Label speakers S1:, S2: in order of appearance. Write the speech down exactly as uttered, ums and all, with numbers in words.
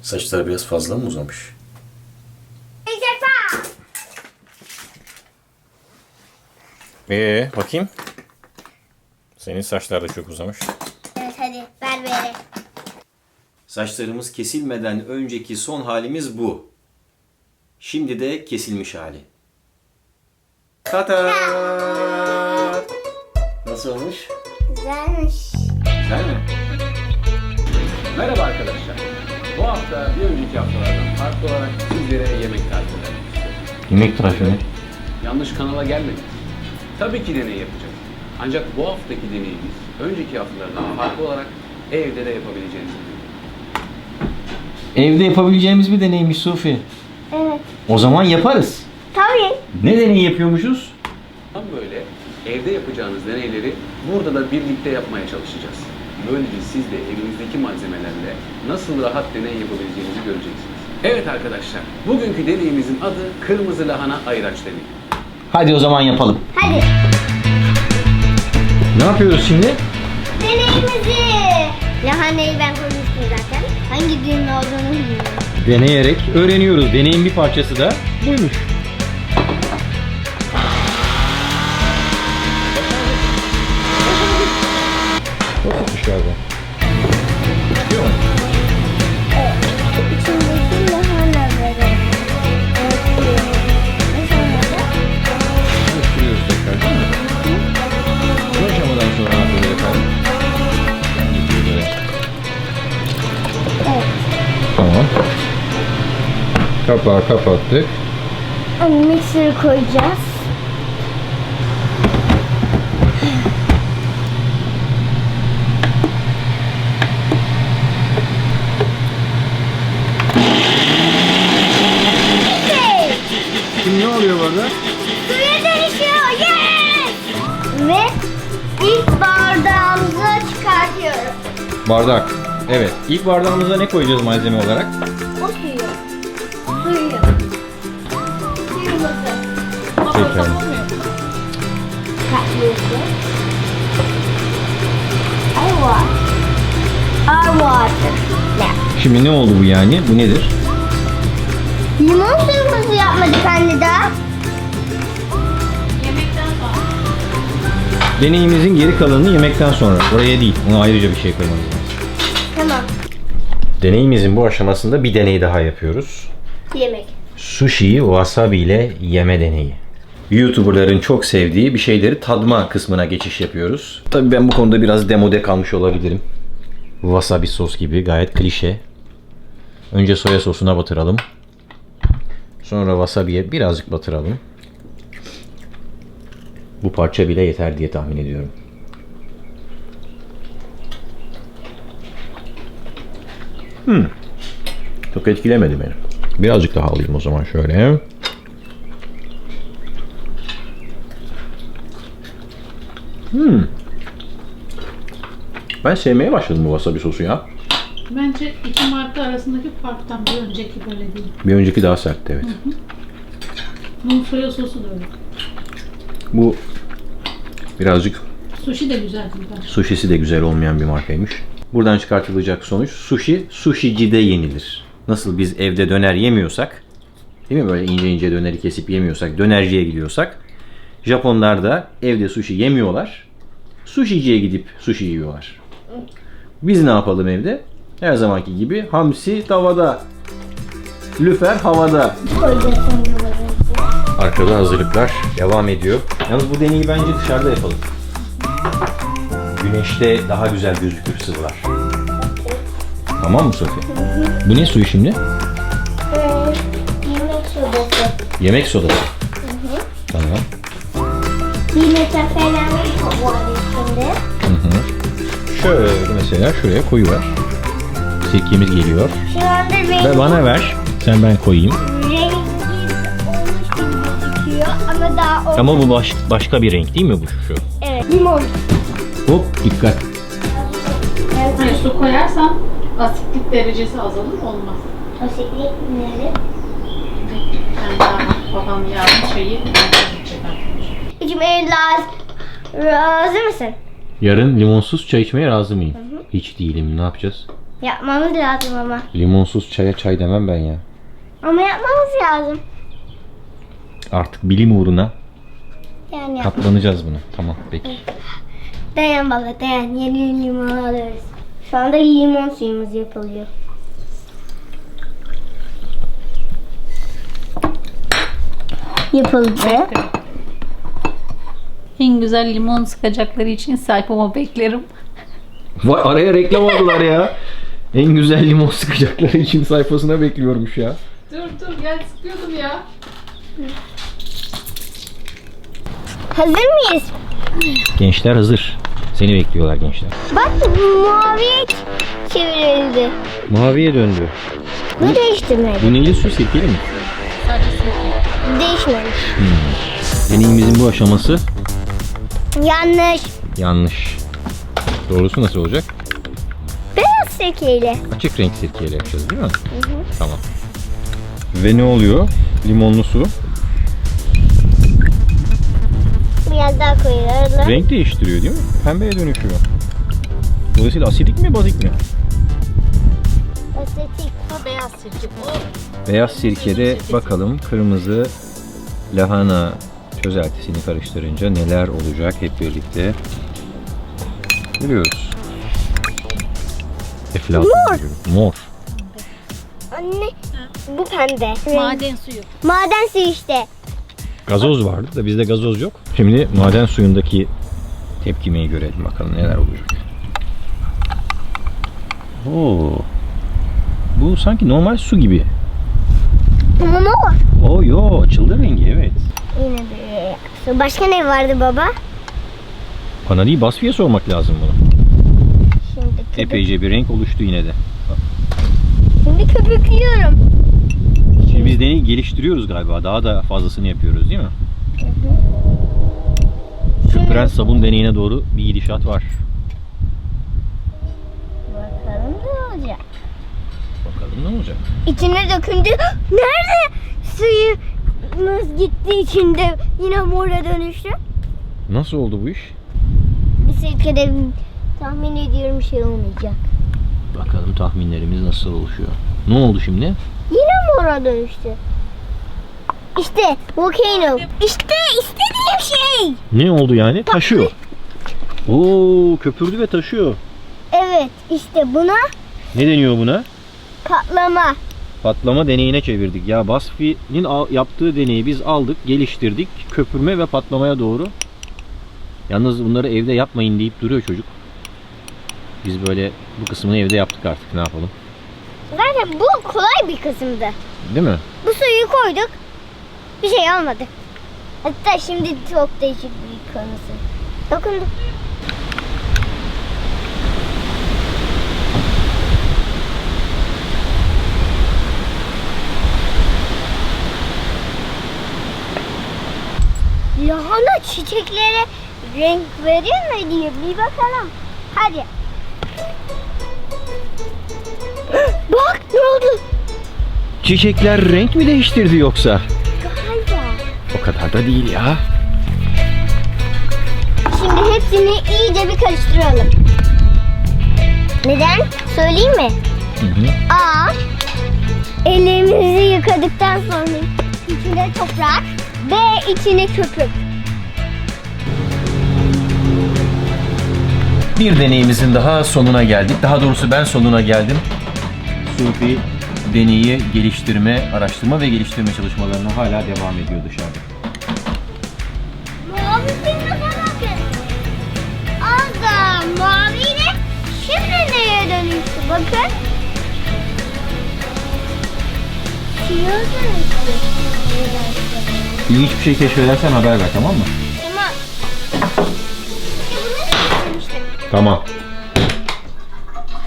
S1: Saçları biraz fazla mı uzamış? Ee, bakayım. Senin saçlar da çok uzamış.
S2: Evet hadi ver beri.
S1: Saçlarımız kesilmeden önceki son halimiz bu. Şimdi de kesilmiş hali. Tata! Nasıl olmuş?
S2: Güzelmiş.
S1: Güzel mi?
S3: Merhaba arkadaşlar. Bu hafta bir önceki haftalardan farklı olarak sizlere yemek tarifi vermek istiyorum.
S1: Yemek tarifi mi?
S3: Yanlış kanala gelmedik. Tabii ki deney yapacağız. Ancak bu haftaki deneyimiz önceki haftalardan farklı olarak evde de yapabileceğiniz bir deney.
S1: Evde yapabileceğimiz bir deneymiş Sufi.
S2: Evet.
S1: O zaman yaparız.
S2: Tabii.
S1: Ne deneyi yapıyormuşuz?
S3: Tam böyle evde yapacağınız deneyleri burada da birlikte yapmaya çalışacağız. Böylece siz de evinizdeki malzemelerle nasıl rahat deney yapabileceğinizi göreceksiniz. Evet arkadaşlar, bugünkü deneyimizin adı kırmızı lahana ayraç deneyi.
S1: Hadi o zaman yapalım.
S2: Hadi.
S1: Ne yapıyoruz şimdi?
S2: Deneyimizi. Lahanayı ben koymuştum zaten. Hangi düğün olduğunu bilmiyorum.
S1: Deneyerek öğreniyoruz. Deneyin bir parçası da buymuş. Basitmiş galiba. Yapıyor mu?
S2: İçindeki lahanaları.
S1: Karıştırıyoruz tekrar değil mi? Bu aşamadan sonra ne yapıyoruz efendim?
S2: Evet.
S1: Tamam. Kapağı kapattık.
S2: Mikseri koyacağız.
S1: Şimdi ne oluyor burada?
S2: Suya dönüşüyor. Yes! Ve ilk bardağımızı çıkartıyorum.
S1: Bardak. Evet. İlk bardağımıza ne koyacağız malzeme olarak?
S2: O suyu. Suyu. Suyumuzu.
S1: Pekala.
S2: Katlıyorsun. I water. I water. Ne?
S1: Şimdi ne oldu bu yani? Bu nedir?
S2: Limon suyumuzu yapmadık anne daha.
S1: Deneyimizin geri kalanını yemekten sonra. Oraya değil. Ona ayrıca bir şey koymamız lazım.
S2: Tamam.
S1: Deneyimizin bu aşamasında bir deney daha yapıyoruz.
S2: Yemek.
S1: Sushi'yi wasabi ile yeme deneyi. YouTuber'ların çok sevdiği bir şeyleri tadma kısmına geçiş yapıyoruz. Tabii ben bu konuda biraz demode kalmış olabilirim. Wasabi sos gibi gayet klişe. Önce soya sosuna batıralım. Sonra wasabi'ye birazcık batıralım. Bu parça bile yeter diye tahmin ediyorum. Hmm. Çok etkilemedi beni. Birazcık daha alayım o zaman şöyle. Hmm. Ben sevmeye başladım bu wasabi sosu ya.
S4: Bence iki marka arasındaki farktan bir önceki böyle değil.
S1: Bir önceki daha sertti, evet.
S4: Hı hı. Bunun soya sosu da öyle.
S1: Bu birazcık
S4: Sushi de güzel değil bence.
S1: sushisi de güzel olmayan bir markaymış. Buradan çıkartılacak sonuç, sushi sushicide yenilir. Nasıl biz evde döner yemiyorsak, değil mi, böyle ince ince döneri kesip yemiyorsak, dönerciye gidiyorsak, Japonlar da evde sushi yemiyorlar. Sushiciye gidip sushi yiyorlar. Biz ne yapalım evde? Her zamanki gibi hamsi tavada, lüfer havada.
S2: Koyacaksın yuvarı.
S1: Arkada hazırlıklar devam ediyor. Yalnız bu deneyi bence dışarıda yapalım. Güneşte daha güzel gözükür sıvılar. Tamam mı Sofi? Bu ne suyu şimdi?
S2: Ee, yemek sodası.
S1: Yemek sodası. Tamam.
S2: Bir metre falan var içinde.
S1: Hı hı. Şöyle mesela şuraya koyuver. Sirkemiz geliyor.
S2: Şu anda rengi,
S1: Ve bana ver. Sen ben koyayım.
S2: rengi olmuş gibi gözüküyor ama daha olmadı.
S1: Ama bu baş, başka bir renk değil mi bu şu?
S2: Evet. Limon.
S1: Hop dikkat.
S4: Hani su koyarsan asitlik derecesi azalır olmaz.
S2: Asitlik neri?
S4: Yani daha babam yağlı şeyi çıkartmış.
S2: İçmeye lazım. Razı mısın?
S1: Yarın limonsuz çay içmeye razı mıyım? Hiç değilim. Ne yapacağız?
S2: Yapmamız lazım ama.
S1: Limonsuz çaya çay demem ben ya.
S2: Ama yapmamız lazım.
S1: Artık bilim uğruna
S2: Yani yap.
S1: katlanacağız buna. Tamam peki.
S2: Dayan baba dayan. Yeni limon alıyoruz. Şu anda limon suyumuz yapılıyor. Yapıldı.
S4: En güzel limon sıkacakları için sayfama beklerim.
S1: Vay araya reklam aldılar ya. En güzel limon sıkacakları için sayfasına bekliyormuş ya.
S4: Dur dur gel sıkıyordum ya.
S2: Hazır mıyız?
S1: Gençler hazır. Seni bekliyorlar gençler.
S2: Bak maviye çevrildi.
S1: Maviye döndü.
S2: Bu değiştirmedi.
S1: Bu neyli su sirkeli mi?
S4: Sadece sirke.
S2: Değişmemiş.
S1: Deneyimizin bu aşaması
S2: Yanlış.
S1: yanlış. Doğrusu nasıl olacak?
S2: Beyaz sirkeyle.
S1: Açık renk sirkeyle yapacağız değil mi? Hı hı. Tamam. Ve ne oluyor? Limonlu su.
S2: Biraz daha koyuyoruz.
S1: Renk değiştiriyor değil mi? Pembeye dönüşüyor. Dolayısıyla asidik mi bazik mi?
S2: Estetik.
S4: Ha, beyaz sirke. O
S1: Beyaz sirkede bakalım kırmızı lahana çözeltisini karıştırınca neler olacak hep birlikte görüyoruz. Eflatun
S2: Mor.
S1: gibi. Mor.
S2: Anne bu pembe.
S4: maden suyu.
S2: Maden suyu işte.
S1: Gazoz vardı da bizde gazoz yok. Şimdi maden suyundaki tepkimeyi görelim bakalım neler olacak. Oo. Bu sanki normal su gibi.
S2: Ama ne var?
S1: Oo yo açıldı rengi evet.
S2: Yine de. Su. Başka ne vardı baba?
S1: Bana değil Basfi'ye sormak lazım bunu.
S2: Şimdi köpük.
S1: Epeyce bir renk oluştu yine de.
S2: Şimdi köpüklüyorum.
S1: Şimdi biz deneyi geliştiriyoruz galiba. Daha da fazlasını yapıyoruz değil mi? Köpüren sabun deneyine doğru bir gidişat var.
S2: Bakalım ne olacak.
S1: Bakalım ne olacak?
S2: İçine döküldü. Nerede suyumuz gitti içinde yine mora dönüştü.
S1: Nasıl oldu bu iş?
S2: Bir sirkede tahmin ediyorum şey olmayacak.
S1: Bakalım tahminlerimiz nasıl oluşuyor. Ne oldu şimdi?
S2: Yine mora dönüştü. İşte volcano. İşte istediğim şey.
S1: Ne oldu yani? Taşıyor. Oo köpürdü ve taşıyor.
S2: Evet işte buna
S1: Ne deniyor buna?
S2: patlama.
S1: Patlama deneyine çevirdik. Ya Basfi'nin al- yaptığı deneyi biz aldık, geliştirdik. Köpürme ve patlamaya doğru. Yalnız bunları evde yapmayın deyip duruyor çocuk. Biz böyle bu kısmını evde yaptık artık. Ne yapalım?
S2: Zaten bu kolay bir kısımdı.
S1: Değil mi?
S2: Bu suyu koyduk. Bir şey olmadı. Hatta şimdi çok değişik bir konusu. Dokundu. Lahana çiçeklere renk veriyor mu diye bir bakalım. Hadi. Bak ne oldu?
S1: Çiçekler renk mi değiştirdi yoksa?
S2: Galiba.
S1: O kadar da değil ya.
S2: Şimdi hepsini iyice bir karıştıralım. Neden? Söyleyeyim mi?
S1: Hı hı.
S2: A. Ellerimizi yıkadıktan sonra içine toprak. B. içine köpük.
S1: Bir deneyimizin daha sonuna geldik. Daha doğrusu ben sonuna geldim. Sufi deneyi geliştirme, araştırma ve geliştirme çalışmalarına hala devam ediyor dışarıda.
S2: Mavi filme bakın. Az da maviyle şimdi neye dönüştü bakın. Siyah dönüştü.
S1: İlginç bir şey keşfedersen haber ver tamam mı?
S2: Tamam. İşte bunu dönüştü.
S1: Tamam.